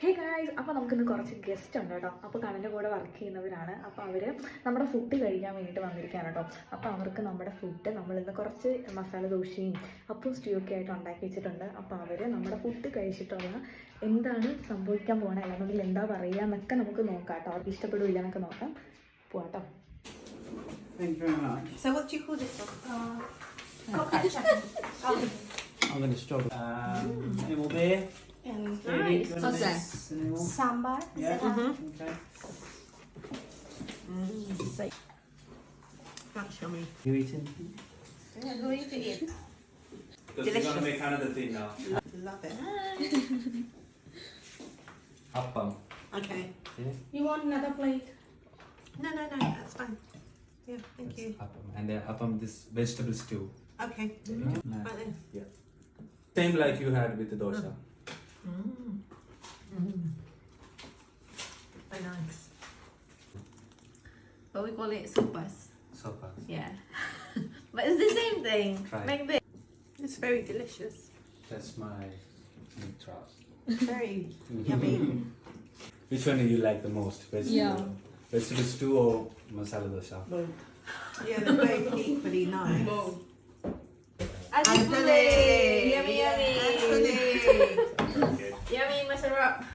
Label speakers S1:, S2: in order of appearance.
S1: Hey guys, അപ്പോൾ നമുക്കിന്ന് കുറച്ച് ഗസ്റ്റ് ഉണ്ട് കേട്ടോ. അപ്പോൾ കടൻ്റെ കൂടെ വർക്ക് ചെയ്യുന്നവരാണ്. അപ്പോൾ അവർ നമ്മുടെ ഫുഡ് കഴിക്കാൻ വേണ്ടിയിട്ട് വന്നിരിക്കുകയാണ് കേട്ടോ. അപ്പോൾ അവർക്ക് നമ്മുടെ ഫുഡ് നമ്മളിന്ന് കുറച്ച് മസാല ദോശയും അപ്പം സ്റ്റ്യൂ ഒക്കെ ആയിട്ട് ഉണ്ടാക്കി വെച്ചിട്ടുണ്ട്. അപ്പോൾ അവർ നമ്മുടെ ഫുഡ് കഴിച്ചിട്ടുള്ള എന്താണ് സംഭവിക്കാൻ പോകണത്, അല്ലെങ്കിൽ എന്താ പറയുക എന്നൊക്കെ നമുക്ക് നോക്കാം കേട്ടോ. അവർക്ക് ഇഷ്ടപ്പെടില്ല എന്നൊക്കെ നോക്കാം. പോവാട്ടോ.
S2: Thank you very much.
S3: So what do you call this one?
S2: I'm going to struggle. Any more beer?
S3: Nice.
S2: What's that?
S3: Sambar.
S2: Yeah. Okay.
S3: That's yummy.
S2: You eating?
S3: Yeah, who are you eating?
S4: Because we're going to make another thing now.
S3: Love it.
S4: Appam.
S3: Okay.
S5: You want another plate?
S3: No, that's fine. Yeah, thank you.
S4: Appam. And appam, this vegetable stew.
S3: Okay.
S2: No.
S3: Right then.
S4: Same like you had with the dosa.
S3: Very nice. But we call it sopas.
S4: Sopa.
S3: Yeah. But it's the same thing.
S4: Try.
S3: Like this. It's very delicious.
S4: That's my big trust.
S3: Very yummy.
S4: Which one do you like the most? Vegetable, vegetable stew or masala dosa?
S3: Yeah, they're both equally nice.
S5: Adipole!
S3: Adipole!
S5: Yummy, yummy!
S3: Adipole!
S5: Yummy, masarap!